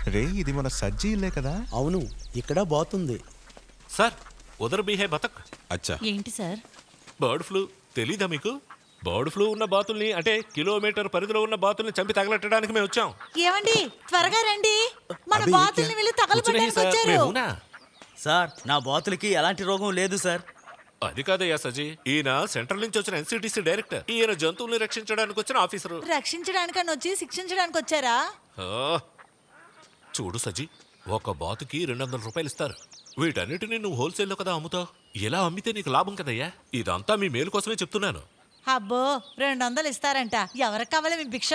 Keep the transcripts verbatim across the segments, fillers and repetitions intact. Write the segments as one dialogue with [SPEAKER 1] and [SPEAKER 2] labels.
[SPEAKER 1] రే ఇది మన సజ్జీ ఇల్లే కదా?
[SPEAKER 2] అవును, ఇక్కడ బాతుంది.
[SPEAKER 3] సార్ ఉదర్ బీ హై బతక్.
[SPEAKER 1] అచ్చా,
[SPEAKER 4] ఏంటి సార్?
[SPEAKER 3] బర్డ్ ఫ్లూ తెలీదా మీకు? బర్డ్ ఫ్లూ ఉన్న బాతుల్ని అంటే కిలోమీటర్ పరిధిలో ఉన్న బాతుల్ని చంపి తగలెట్టడానికి మేము వచ్చాం.
[SPEAKER 4] ఏమండి త్వరగా రండి, మన
[SPEAKER 2] అభి,
[SPEAKER 4] బాతుల్ని వెళ్ళి తగలబెట్టడానికి వచ్చారు.
[SPEAKER 2] సార్, నా బాతులకి ఎలాంటి రోగం లేదు సార్.
[SPEAKER 3] అది కాదయ్యా సజీ, ఈయన సెంట్రల్ నుంచి వచ్చిన ఎన్సిటిసి డైరెక్టర్. ఈయన జంతువుల్ని రక్షించడానికి వచ్చిన ఆఫీసరు.
[SPEAKER 4] రక్షించడానికని వచ్చి శిక్షించడానికి వచ్చారా?
[SPEAKER 3] ఆ, చూడు సజీ, ఒక బాతుకి రెండు వందల రూపాయలు ఇస్తారు. వీటన్నిటిని నువ్వు హోల్సేల్లో కదా అమ్ముతావు. ఇలా అమ్మితే నీకు లాభం కదయ్యా. ఇదంతా మీ మేలు కోసమే చెప్తున్నాను.
[SPEAKER 4] అబ్బో, రెండు వందలు ఇస్తారంట. ఎవరికి కావాలి మీ భిక్ష?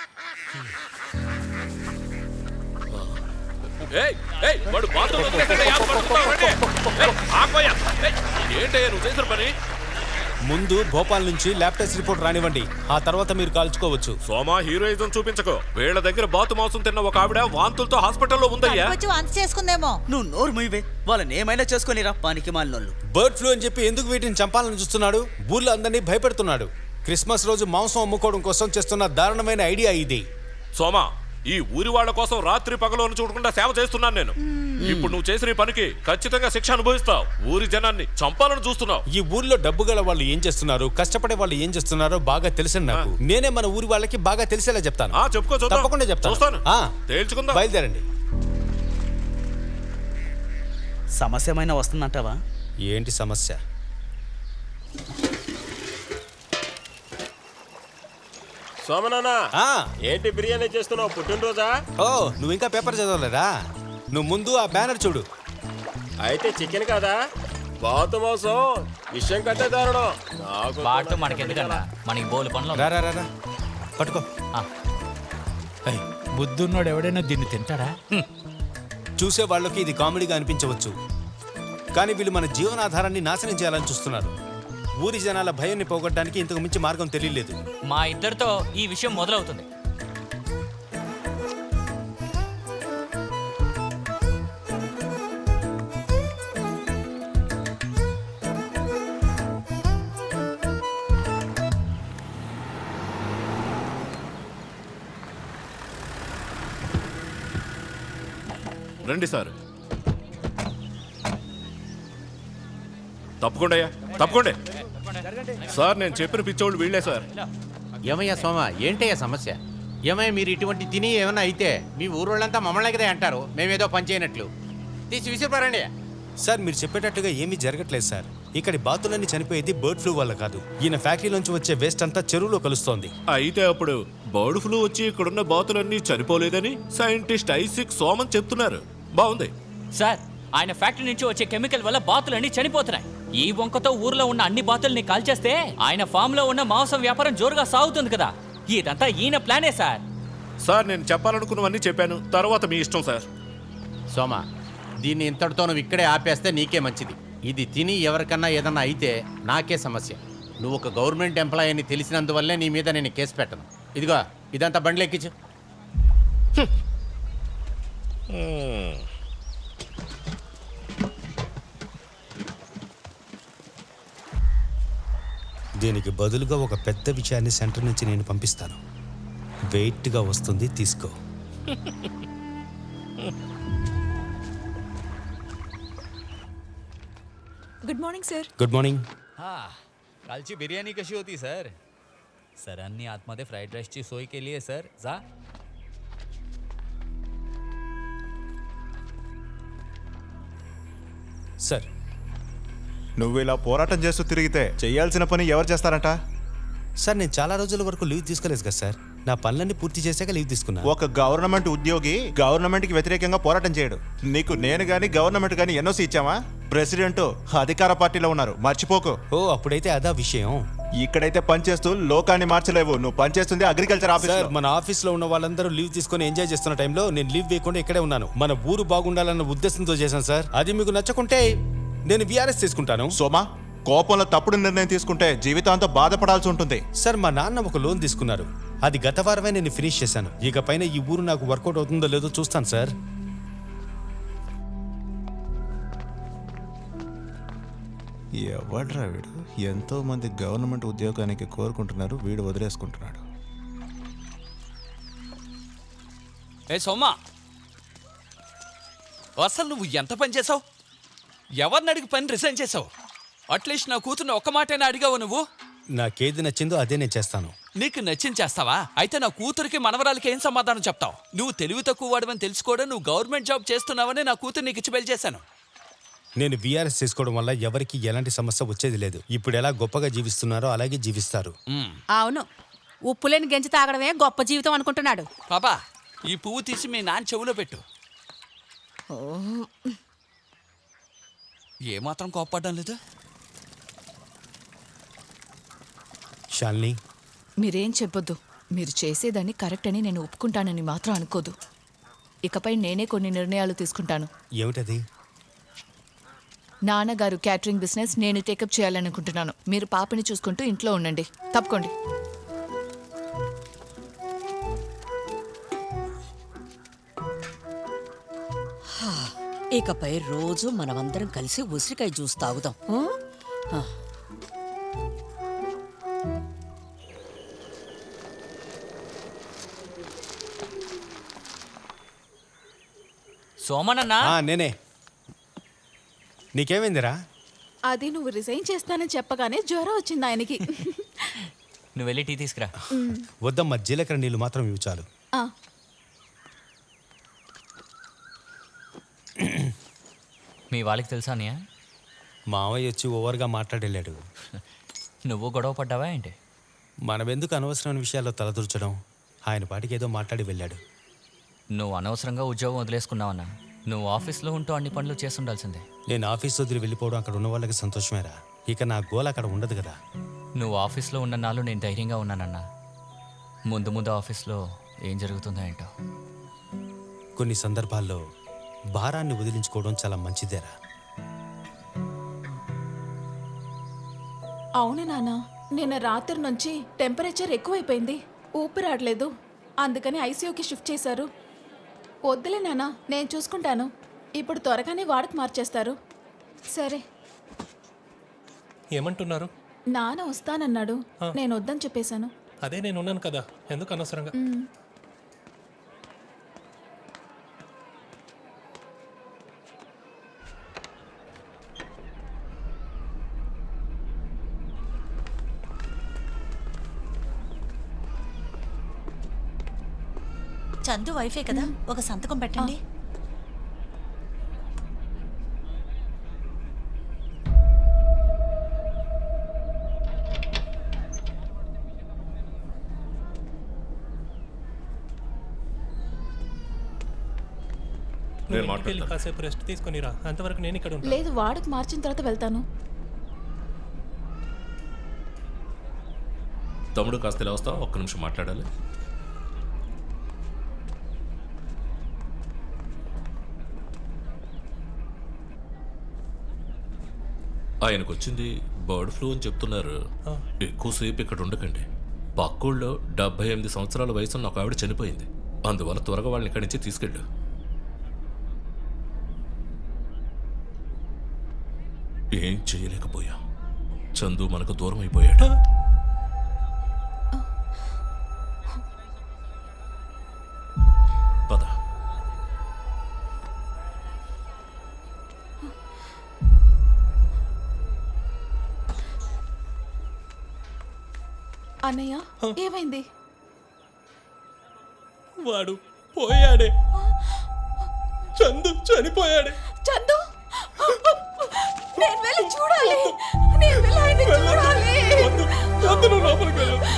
[SPEAKER 3] ఏంటయ్యా నువ్వు చేసిన పని?
[SPEAKER 5] ముందు భోపాల్ నుంచి ల్యాబ్ టెస్ట్ రిపోర్ట్ రానివ్వండి, ఆ తర్వాత మీరు కాల్చుకోవచ్చు.
[SPEAKER 3] సోమా, హీరోయిజం చూపించకు. వీళ్ళ దగ్గర బాతు మాంసం తిన్న ఒక ఆవిడ వాంతులతో హాస్పిటల్లో ఉందయ్యా.
[SPEAKER 4] వచ్చి వాంతి చేసుకుందేమో.
[SPEAKER 2] నువ్వు నోరు మూయవే, వాళ్ళని ఏమైనా చేసుకొని రా పానికి మాలినోళ్ళు.
[SPEAKER 5] బర్డ్ ఫ్లూ అని చెప్పి ఎందుకు వీటిని చంపాలని చూస్తున్నాడు? ఊర్లో అందరినీ భయపెడుతున్నాడు. క్రిస్మస్ రోజు మాంసం అమ్ముకోవడం కోసం చేస్తున్న దారుణమైన ఐడియా ఇది.
[SPEAKER 3] సోమా, ఈ ఊరి వాళ్ళ కోసం రాత్రి పగలను చూడకుండా సేవ చేస్తున్నాను నేను. ఇప్పుడు నువ్వు చేసిన ఈ పనికి ఖచ్చితంగా శిక్ష అనుభవిస్తావు. ఊరి జనాన్ని చంపాలని చూస్తున్నావు.
[SPEAKER 5] ఈ ఊర్లో డబ్బు గల వాళ్ళు ఏం చేస్తున్నారు, కష్టపడే వాళ్ళు ఏం చేస్తున్నారో బాగా తెలిసిన నాకు. నేనే మన ఊరి వాళ్ళకి బాగా తెలిసేలా చెప్తాను.
[SPEAKER 3] ఆ చెప్పుకో, చూద్దాం.
[SPEAKER 5] తప్పకుండా చెప్తాను.
[SPEAKER 3] చూస్తాను.
[SPEAKER 5] ఆ,
[SPEAKER 3] తేల్చుకుందాం.
[SPEAKER 5] బయలుదేరండి.
[SPEAKER 2] సమస్య ఏమైనా వస్తుందంటావా?
[SPEAKER 5] ఏంటి సమస్య?
[SPEAKER 6] సోమనానా,
[SPEAKER 5] ఆ,
[SPEAKER 6] ఏంటి బిర్యానీ చేస్తున్నావు? పుట్టినరోజా?
[SPEAKER 5] ఓ నువ్వు ఇంకా పేపర్ చదవలేదా? నువ్వు ముందు ఆ బ్యానర్ చూడు.
[SPEAKER 6] అయితే చికెన్ కదా? బాతు మాంసం విషయం కంటే దారుణం. నాకు
[SPEAKER 7] బాటు మనకెందుకన్నా, మనకి బోలు పనులు.
[SPEAKER 5] రా రా రా రా. పట్టుకో.
[SPEAKER 7] బుద్ధున్నోడు ఎవడైనా దీన్ని తింటాడా?
[SPEAKER 5] చూసే వాళ్ళకి ఇది కామెడీగా అనిపించవచ్చు, కానీ వీళ్ళు మన జీవనాధారాన్ని నాశనం చేయాలని చూస్తున్నారు. ఊరి జనాల భయాన్ని పోగొట్టడానికి ఇంతకు మించి మార్గం తెలియలేదు.
[SPEAKER 7] మా ఇద్దరితో ఈ విషయం మొదలవుతుంది.
[SPEAKER 3] రండి సార్. తప్పకుండా తప్పకుండా సార్, నేను చెప్పిన పిచ్చోళ్ళు వీళ్ళే సార్.
[SPEAKER 8] ఏమయ్యా సోమ, ఏంటయ్యా సమస్య? ఏమయ్యా మీరు ఇటువంటి తిని ఏమన్నా అయితే మీ ఊరోళ్ళంతా మమ్మల్ని కదా అంటారు, మేమేదో పని చేయనట్లు. తీసి విసిరిపారండి.
[SPEAKER 5] సార్, మీరు చెప్పేటట్టుగా ఏమీ జరగట్లేదు సార్. ఇక్కడి బాతులన్నీ చనిపోయేది బర్డ్ ఫ్లూ వల్ల కాదు. ఈయన ఫ్యాక్టరీలోంచి వచ్చే వేస్ట్ అంతా చెరువులో కలుస్తోంది.
[SPEAKER 3] అయితే అప్పుడు బర్డ్ ఫ్లూ వచ్చి ఇక్కడున్న బాతులన్నీ చనిపోలేదని సైంటిస్ట్ ఐసిక్ సోమన్ చెప్తున్నారు. బాగుంది
[SPEAKER 7] సార్, ఆయన ఫ్యాక్టరీ నుంచి వచ్చే కెమికల్ వల్ల బాతులన్నీ చనిపోతున్నాయి. ఈ వంకతో ఊర్లో ఉన్న అన్ని బాతుల్ని కాల్చేస్తే ఆయన ఫామ్ లో ఉన్న మాంసం వ్యాపారం జోరుగా సాగుతుంది కదా. ఇదంతా ఈయన ప్లానే సార్.
[SPEAKER 3] సార్, నేను చెప్పాలనుకున్నవన్నీ చెప్పాను, తర్వాత మీ ఇష్టం సార్.
[SPEAKER 8] సోమ, దీన్ని ఇంతటితో నువ్వు ఇక్కడే ఆపేస్తే నీకే మంచిది. ఇది తిని ఎవరికన్నా ఏదన్నా అయితే నాకే సమస్య. నువ్వు ఒక గవర్నమెంట్ ఎంప్లాయీ అని తెలిసినందువల్లే నీ మీద నేను కేసు పెట్టను. ఇదిగో ఇదంతా బండ్లు ఎక్కించు.
[SPEAKER 5] దీనికి బదులుగా ఒక పెద్ద విషయాన్ని సెంటర్ నుంచి నేను పంపిస్తాను. వెయిట్గా వస్తుంది, తీసుకో.
[SPEAKER 4] Good morning sir.
[SPEAKER 5] Good morning.
[SPEAKER 7] हाँ, कालची बिर्याणी कशी होती सर? सरांनी आतमध्ये फ्राईड राईसची सोय केली आहे सर. जा.
[SPEAKER 5] సార్,
[SPEAKER 1] నువ్వు ఇలా పోరాటం చేస్తూ తిరిగితే చేయాల్సిన పని ఎవరు చేస్తారంట?
[SPEAKER 5] సార్ నేను చాలా రోజుల వరకు లీవ్ తీసుకోలేదు కదా సార్. నా పనులన్నీ పూర్తి చేశాక లీవ్ తీసుకున్నా.
[SPEAKER 1] ఒక గవర్నమెంట్ ఉద్యోగి గవర్నమెంట్ కి వ్యతిరేకంగా పోరాటం చేయడు. నీకు నేను గాని గవర్నమెంట్ గాని ఎన్ఓసి ఇచ్చామా? ప్రెసిడెంట్ అధికార పార్టీలో ఉన్నారు, మర్చిపోకు.
[SPEAKER 5] ఓ అప్పుడైతే అదా విషయం.
[SPEAKER 1] ఇక్కడైతే పనిచేస్తూ లోకాన్ని మార్చలేవు. నువ్వు పనిచేస్తుంది అగ్రికల్చర్ ఆఫీస్.
[SPEAKER 5] సార్, మన ఆఫీస్ లో ఉన్న వాళ్ళందరూ లీవ్ తీసుకొని ఎంజాయ్ చేస్తున్న టైంలో నేను లీవ్ వేయకుండా ఇక్కడే ఉన్నాను. మన ఊరు బాగుండాలన్న ఉద్దేశంతో చేశాను సార్. అది మీకు నచ్చకుంటే నేను విఆర్ఎస్ తీసుకుంటాను.
[SPEAKER 1] సోమా, కోపంలో తప్పుడు నిర్ణయం తీసుకుంటే జీవితాంతం బాధపడాల్సి ఉంటుంది.
[SPEAKER 5] సార్, మా నాన్న ఒక లోన్ తీసుకున్నారు. అది గత వారమే నేను ఫినిష్ చేశాను. ఇక పైన ఈ ఊరు నాకు వర్కౌట్ అవుతుందో లేదో చూస్తాను సార్.
[SPEAKER 1] ఎవడ్రా వీడు? ఎంతో మంది గవర్నమెంట్ ఉద్యోగానికి కోరుకుంటున్నారు, వీడు వదిలేసుకుంటున్నాడు.
[SPEAKER 7] ఏ సోమా,
[SPEAKER 9] అసలు నువ్వు ఎంత పని చేసావు? ఎవరిని అడిగి పని రిజైన్ చేసావు? అట్లీస్ట్ నా కూతుర్ని ఒక్క మాటైనా అడిగావు నువ్వు?
[SPEAKER 5] నాకేది నచ్చిందో అదే నేను చేస్తాను.
[SPEAKER 9] నీకు నచ్చింది చేస్తావా? అయితే నా కూతురికి మనవరాలకి ఏం సమాధానం చెప్తావు? నువ్వు తెలివి తక్కువ వాడవని తెలుసుకోవడం, నువ్వు గవర్నమెంట్ జాబ్ చేస్తున్నావని నా కూతురు నీకు ఇచ్చి పెళ్లి చేశాను.
[SPEAKER 5] నేను వీఆర్ఎస్ చేసుకోవడం వల్ల ఎవరికి ఎలాంటి సమస్య వచ్చేది లేదు. ఇప్పుడు ఎలా గొప్పగా జీవిస్తున్నారో అలాగే జీవిస్తారు.
[SPEAKER 4] అవును, ఉప్పులేని గెంజి తాగడమే గొప్ప జీవితం అనుకుంటున్నాడు.
[SPEAKER 9] పాపా, ఈ పువ్వు తీసి మీ నాన్న చెవులో పెట్టు. ఏమాత్రం కోప్పడ్డం లేదు.
[SPEAKER 5] శాలిని,
[SPEAKER 10] మీరేం చెప్పొద్దు. మీరు చేసేదాన్ని కరెక్ట్ అని నేను ఒప్పుకుంటానని మాత్రం అనుకోదు. ఇకపై నేనే కొన్ని నిర్ణయాలు తీసుకుంటాను.
[SPEAKER 5] ఏమిటది?
[SPEAKER 10] నాన్నగారు క్యాటరింగ్ బిజినెస్ నేను టేకప్ చేయాలనుకుంటున్నాను. మీరు పాపని చూసుకుంటూ ఇంట్లో ఉండండి. తప్పుకోండి.
[SPEAKER 4] ఇకపై రోజు మనమందరం కలిసి ఉసిరికాయ జ్యూస్ తాగుదాం. ఆ?
[SPEAKER 7] సోమనన్నా,
[SPEAKER 5] ఆ, నేనే. నీకేమైందిరా?
[SPEAKER 10] అది నువ్వు రిజైన్ చేస్తానని చెప్పగానే జ్వరం వచ్చింది ఆయనకి.
[SPEAKER 7] నువ్వు వెళ్ళి టీ తీసుకురా.
[SPEAKER 5] వద్దమ్మా, జీలకర్ర నీళ్ళు మాత్రం ఇవి చాలు.
[SPEAKER 10] ఆ,
[SPEAKER 7] మీ వాళ్ళకి తెలుసా అన్నయ్య?
[SPEAKER 5] మావయ్య వచ్చి ఓవర్గా మాట్లాడలేడు.
[SPEAKER 7] నువ్వు గొడవ పడ్డావా ఏంటి?
[SPEAKER 5] మనమెందుకు అనవసరమైన విషయాల్లో తలదూర్చడం? ఆయన పాటికి ఏదో మాట్లాడి వెళ్ళాడు.
[SPEAKER 7] నువ్వు అనవసరంగా ఉద్యోగం వదిలేసుకున్నావన్నా. నువ్వు ఆఫీస్లో ఉంటూ అన్ని పనులు చేసి ఉండాల్సిందే.
[SPEAKER 5] నేను ఆఫీస్ వదిలి వెళ్ళిపోవడం అక్కడ ఉన్న వాళ్ళకి సంతోషమేరా. ఇక నా గోల్ అక్కడ ఉండదు కదా.
[SPEAKER 7] నువ్వు ఆఫీస్లో ఉన్న నాళ్ళు నేను ధైర్యంగా ఉన్నానన్నా. ముందు ముందు ఆఫీస్లో ఏం జరుగుతుందో ఏంటో.
[SPEAKER 5] కొన్ని సందర్భాల్లో భారాన్ని వదిలించుకోవడం చాలా మంచిదేరా.
[SPEAKER 10] అవును నాన్న, నిన్న రాత్రి నుంచి టెంపరేచర్ ఎక్కువైపోయింది. ఊపిరాడలేదు. అందుకని ఐసీయూకి షిఫ్ట్ చేశారు. వద్దులే నాన్న, నేను చూసుకుంటాను. ఇప్పుడు త్వరగానే వాడకు మార్చేస్తారు. సరే.
[SPEAKER 11] ఏమంటున్నారు?
[SPEAKER 10] నాన్న వస్తానన్నాడు. నేను వద్దని చెప్పేశాను.
[SPEAKER 11] అదే నేను ఉన్నాను కదా, ఎందుకు అనవసరంగా?
[SPEAKER 4] చందు వైఫే కదా, ఒక సంతకం పెట్టండి.
[SPEAKER 11] నువ్వు ఇంటికి వెళ్ళి కాసేపు రెస్ట్ తీసుకొని రా, అంతవరకు నేను ఇక్కడ ఉంటాను.
[SPEAKER 10] లేదు, వాడకు మార్చిన తర్వాత వెళ్తాను.
[SPEAKER 3] తమ్ముడు కాస్త ఇలా వస్తావా? ఒక్క నిమిషం మాట్లాడాలి. ఆయనకు వచ్చింది బర్డ్ ఫ్లూ అని చెప్తున్నారు. ఎక్కువసేపు ఇక్కడ ఉండకండి. పక్కూళ్ళో డెబ్బై ఎనిమిది సంవత్సరాల వయసున్న ఒక ఆవిడ చనిపోయింది. అందువల్ల త్వరగా వాళ్ళని ఇక్కడి నుంచి తీసుకెళ్ళు. ఏం చేయలేకపోయా. చందు మనకు దూరం అయిపోయాడు. పద.
[SPEAKER 10] అన్నయ్య, ఏమైంది?
[SPEAKER 11] వాడు పోయాడే, చందు చనిపోయాడే.
[SPEAKER 10] చందు, నేను వెళ్ళి చూడాలి. నేను వెళ్ళి ఆయన్ని చూడాలి.
[SPEAKER 11] వద్దు, వద్దు, నువ్వు లోపలికి వెళ్ళు.